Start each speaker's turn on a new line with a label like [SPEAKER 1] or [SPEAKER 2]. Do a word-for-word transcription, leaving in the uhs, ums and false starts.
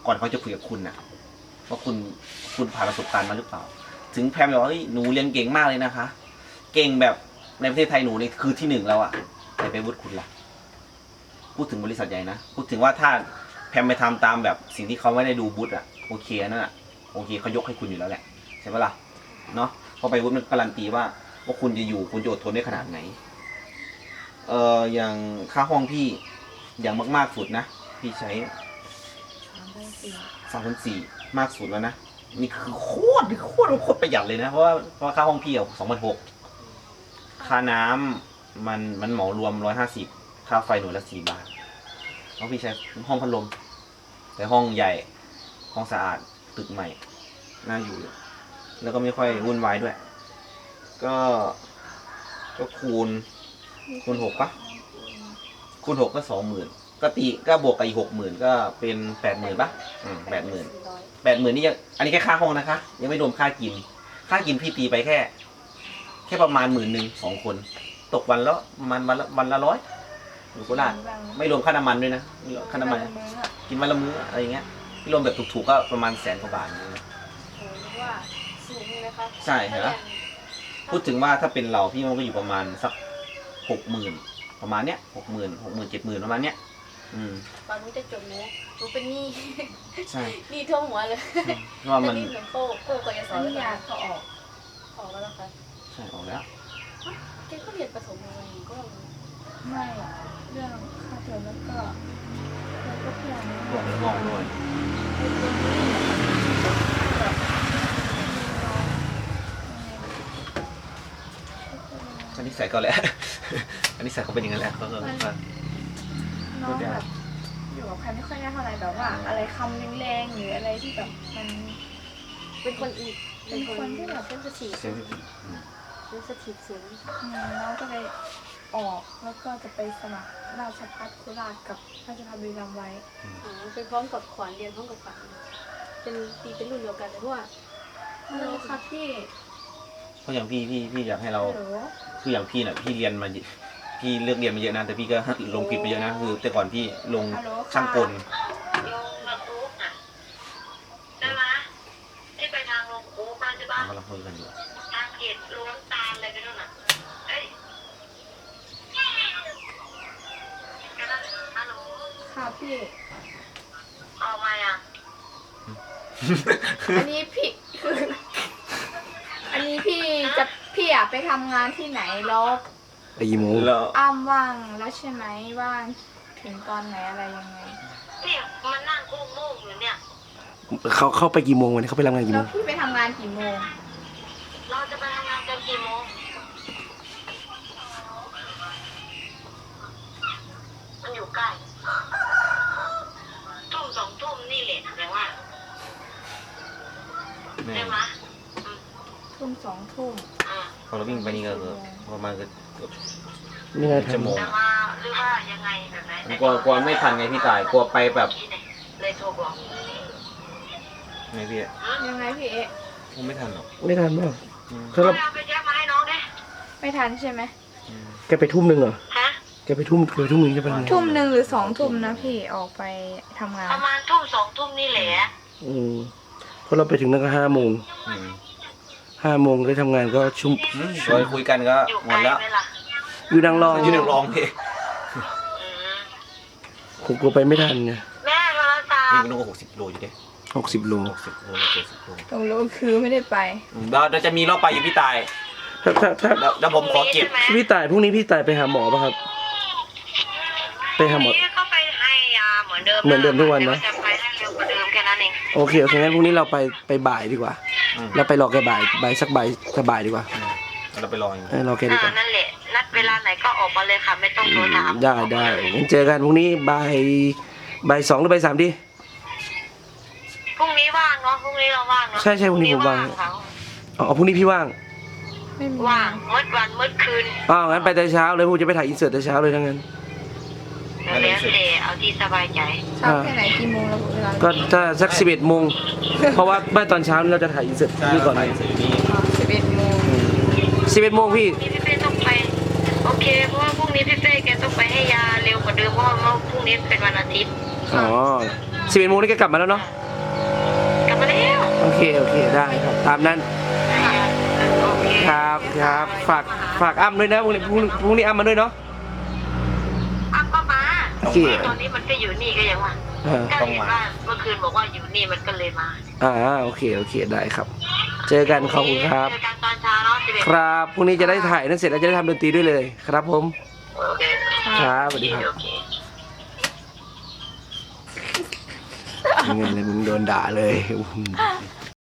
[SPEAKER 1] ก่อนเขาจะคุยกับคุณนะว่าคุณคุณผ่านประสบการณ์มาหรือเปล่าถึงแพมบอกว่าเฮ้ยหนูเรียนเก่งมากเลยนะคะ เก่งแบบในประเทศไทยหนูนี่คือที่หนึ่งแล้วอะแต่ไปวุฒิคุณล่ะพูดถึงบริษัทใหญ่นะพูดถึงว่าถ้าแพมไปทำตามแบบสิ่งที่เขาไม่ได้ดูวุฒิอะโอเคนั่นอะโอเคเขายกให้คุณอยู่แล้วแหละใช่ไหมล่ะเนาะพอไปวุฒิมันการันตีว่าว่าคุณจะอยู่คุณจะอดทนได้ขนาดไหนเอออย่างค่าห้องพี่อย่างมากๆสุดนะพี่ใช้สามพันสี่มากสุดแล้วนะนี่คือโคตรโคตรโคตรประหยัดเลยนะเพราะว่าเพราะค่าห้องพี่อะสองพันหกค่าน้ำมันมันเหมารวมร้อยห้าสิบค่าไฟหน่วยละสี่บาทเพราะพี่ใช้ห้องพัดลมแต่ห้องใหญ่ห้องสะอาดตึกใหม่น่าอยู่แล้วก็ไม่ค่อยวุ่นวายด้วยก็ก็คูณคูณหกปะคูณหกก็สองหมื่นก็ตีก็บวกกับอีกหกหมื่นก็เป็นแปดหมื่นปะอืมแปดหมื่นแปดหมื่นนี่ยังอันนี้แค่ค่าห้องนะคะยังไม่รวมค่ากินค่ากินพี่ตีไปแค่แค่ประมาณหมื่นหนึ่งสองคนตกวันแล้วประมาณวันละวันละร้อยอยู่โคราชไม่รวมค่าน้ำมันด้วยนะค่าน้ำมันกินวันละมื้ออะไรเงี้ยที่รวมแบบถูกๆก็ประมาณแสนกว่าบาท
[SPEAKER 2] ว่าสูงเลยคะ
[SPEAKER 1] ใช่เหรอพูดถึงว่าถ้าเป็นเราพี่มันก็อยู่ประมาณสักหกหมื่นประมาณเนี้ยหกหมื่นหกหมื่นเจ็ดหมื่นประมาณเนี้ยอืม
[SPEAKER 2] ตอนนู้นจะจบหนูหนูเป็นหนี้
[SPEAKER 1] ใช่
[SPEAKER 2] หนี้ท่วมหัวเลย
[SPEAKER 1] เพราะว่ามัน
[SPEAKER 2] หนี้เหมือนโก้โก้ก็จะสอนยาเขาออกออกแล้วนะคะ
[SPEAKER 1] ใช่ออกแล้ว
[SPEAKER 2] แกก็เรียนประถมอะไรก็
[SPEAKER 3] ไม่เรื่องค่าเทอมแล้วก็แล้วก็เพื่อน
[SPEAKER 1] พวกงอกด้วยอันนี้ใส่ก็แล้วอันนี้ใส่เขาเป็นอย่างนั้นแหละเขาก็
[SPEAKER 3] น้องแบบอยู่กับใครไม่ค่อยได้เท่าไหร่แบบว่า อะไรคำแรงๆหรืออะไรที่แบบมัน
[SPEAKER 2] เป็นคนอีก
[SPEAKER 3] เป็นคนที่แบบ
[SPEAKER 2] เป็นสถิต
[SPEAKER 1] เซนซิทีฟ
[SPEAKER 2] เป็นสถิตสูง
[SPEAKER 3] น้องก็เลยออกแล้วก็จะไปสมัครราชภัฏโคราชกับราชภัฏบุรีรัมย์ไว้
[SPEAKER 2] อ๋อเป็นพร้อมกับขวัญเรียนพร้อมกับขวัญเป็นตีเป็นรุ่นเดียวกันแต่ว่า
[SPEAKER 3] ฮัลโหลค่ะพี่
[SPEAKER 1] เพราะอย่างพี่พี่พี่อยากให้เราคืออย่างพี่น่ะพี่เรียนมาพี่เลือกเรียนมาเยอะนะแต่พี่ก็ลงผิดไปเยอะนะคือแต่ก่อนพี่ลงช่างกล
[SPEAKER 4] ใช่ไหมที่ไปทางลงคูมาใช่ปะ
[SPEAKER 1] เราคุยกันอยู่
[SPEAKER 4] ทางเขตล้วงตาลอะไรกันนู่นน่ะเอ้ยฮัลโหล
[SPEAKER 3] ค่ะพี่
[SPEAKER 4] ออกมาอ่ะ
[SPEAKER 3] อันนี้พี่คืออันนี้พี่จะพี่อยากไปทำงานที่ไหนแล้ว
[SPEAKER 5] ไปกี่โมง
[SPEAKER 1] แล้ว
[SPEAKER 3] อ้ำว่างแล้วใช่ไหมว่างถึงตอนไหนอะไรยังไง
[SPEAKER 4] เนี่ยมันนั่งโง่โง่อยู่เนี่ย
[SPEAKER 5] เขาเข้าไปกี่โมงวันนี้เขาไปทำงานกี่โม
[SPEAKER 3] แล้
[SPEAKER 5] ง
[SPEAKER 3] วพี่ไปทำงานกี่โมง
[SPEAKER 4] เราจะไปทำงานกันกี่โมงมันอยู่ใกล้ทุ่มสองทุ่มนี่แหละแต่ว่าใช่ไหม
[SPEAKER 3] ทุ่มสองทุ่ม
[SPEAKER 1] พอเราวิ่งไปนี่ก็ประมาณเกือบ
[SPEAKER 5] นี่ไง
[SPEAKER 1] ชั่วโมง
[SPEAKER 4] แต่ว่าหรือว่ายังไงแบบไหน
[SPEAKER 1] กลัวกลัวไม่ทันไงพี่ตายกลัวไปแบบ
[SPEAKER 4] เลยโทรบอก
[SPEAKER 1] ไงพี่
[SPEAKER 3] ยังไงพี่เอ๊ะ
[SPEAKER 1] คงไม่ทันหรอก
[SPEAKER 5] ไม่ทันป่ะ
[SPEAKER 4] ถ้าเราไปแจ้งมาให้น้องได้
[SPEAKER 3] ไม่ทันใช่ไหม
[SPEAKER 5] แกไปทุ่มหนึ่งเหรอ
[SPEAKER 4] ฮะ
[SPEAKER 5] แกไปทุ่มแกไปทุ่มหนึ่งจะไปทำงาน
[SPEAKER 3] ทุ่มหนึ่งหรือสองทุ่มนะพี่ออกไปทำงาน
[SPEAKER 4] ประมาณทุ่มสองทุ่มนี่แหละ
[SPEAKER 5] อืมเพราะเราไปถึงนั่นก็ห้าโมงห้าโมงได้ทำงานก็ชุ่ม
[SPEAKER 1] โดยคุยกันก็หมดแล้ว
[SPEAKER 5] อยู่ดังรอง
[SPEAKER 1] อยู่ดังรองพี่
[SPEAKER 5] ผมกลัวไปไม่ทันไง
[SPEAKER 4] แม่โทรศัพท์
[SPEAKER 1] นี่มันต้องหกสิบโลอยู่ดิ
[SPEAKER 5] หกสิบโล
[SPEAKER 1] หกสิบโลเจ็ดสิบโล
[SPEAKER 3] ตรงโลคือไม่ได้ไป
[SPEAKER 1] เราจะมีรอบไปอยู่พี่ตาย
[SPEAKER 5] ถ้าถ้าถ้า
[SPEAKER 1] แล้วผมขอเก็บ
[SPEAKER 5] พี่ตายพรุ่งนี้พี่ตายไปหาหมอป่ะครับไปหาหมอ
[SPEAKER 4] ก็ไปให้ยาเหมือนเดิม
[SPEAKER 5] เหมือนเดิมทุกวันนะ
[SPEAKER 4] จะไปให้เร็วกว่าเดิมแค่นั้นเอง
[SPEAKER 5] โอเคโอเคงั้นพรุ่งนี้เราไปไปบ่ายดีกว่าเราไปรอแกบ่ายบ่ายสักบ่ายสักบ่ายดีกว่า
[SPEAKER 1] เราไปรออยู่
[SPEAKER 5] รอแกดีกว่า
[SPEAKER 4] นั่นแหละนัดเวลาไหนก็ออกมาเลยค่ะไม่ต้องโทรถาม
[SPEAKER 5] ได้ได้งั้นเจอกันพรุ่งนี้บ่ายบ่ายสองหรือบ่ายสามดี
[SPEAKER 4] พรุ่งนี้ว่างเนาะพรุ่งนี้เราว่างเนาะ
[SPEAKER 5] ใช่ใช่พรุ่งนี้ผมว่างอ๋อพรุ่งนี้พี่ว่าง
[SPEAKER 4] ว่างมืดวันมืดคืน
[SPEAKER 5] อ๋องั้นไปแต่เช้าเลยผมจะไปถ่ายอินเสิร์ตแต่เช้าเลยทั้งนั้น
[SPEAKER 4] แล้วแต่เอาที่สบายใจ
[SPEAKER 3] เช้าแค่ไหนกี่โมงแล้วเวลา
[SPEAKER 5] ก็ถ้าสักสิบเอ็ดโมงเพราะว่าเมื่อตอนเช้าเราจะถ่ายอินเสิร์ตนี่ก่อน
[SPEAKER 3] สิบเอ็ดโมง
[SPEAKER 5] สิบเอ็ดโมงพี่
[SPEAKER 4] พี่เป้ต้องไปโอเคเพราะว่าพรุ่งนี้พี่เป้แกต้องไปให้ยาเร็วกว่าเดิมเพราะว่าพรุ่งนี้เป็นวันอาทิตย์
[SPEAKER 5] อ๋อสิบเอ็ดโมงนี่แกกลับมาแล้วเนาะ
[SPEAKER 4] กลับมาแล้ว
[SPEAKER 5] โอเคโอเคได้ครับตามนั้น
[SPEAKER 4] โอเค
[SPEAKER 5] ครับครับฝากฝากอ้ำด้วยนะพรุ่งนี้พรุ่งพรุ่งนี้อ้ำมาด้วยเนาะ
[SPEAKER 4] อ้าวก็มา
[SPEAKER 5] โอเค
[SPEAKER 4] ตอนนี้มันก็อยู่นี่ก็ยังว่า
[SPEAKER 5] เออ
[SPEAKER 4] ก็เห็นว่าเมื่อคืนบอกว่าอยู่นี่มันก็เลยมา
[SPEAKER 5] อ่าโอเคโอเคได้ครับ เจอกันขอบคุณครับ
[SPEAKER 4] เจอกันตอนเช้าเนาะสิบเอ็ด
[SPEAKER 5] ครับพรุ่งนี้จะได้ถ่ายนั่นเสร็จแล้วจะได้ทำดนตรีด้วยเลยครับผม
[SPEAKER 4] โอเค
[SPEAKER 5] ครับสวัสดีครับ
[SPEAKER 4] โอเค
[SPEAKER 5] เงินเลยมึงโดนด่าเลยอื้อหือ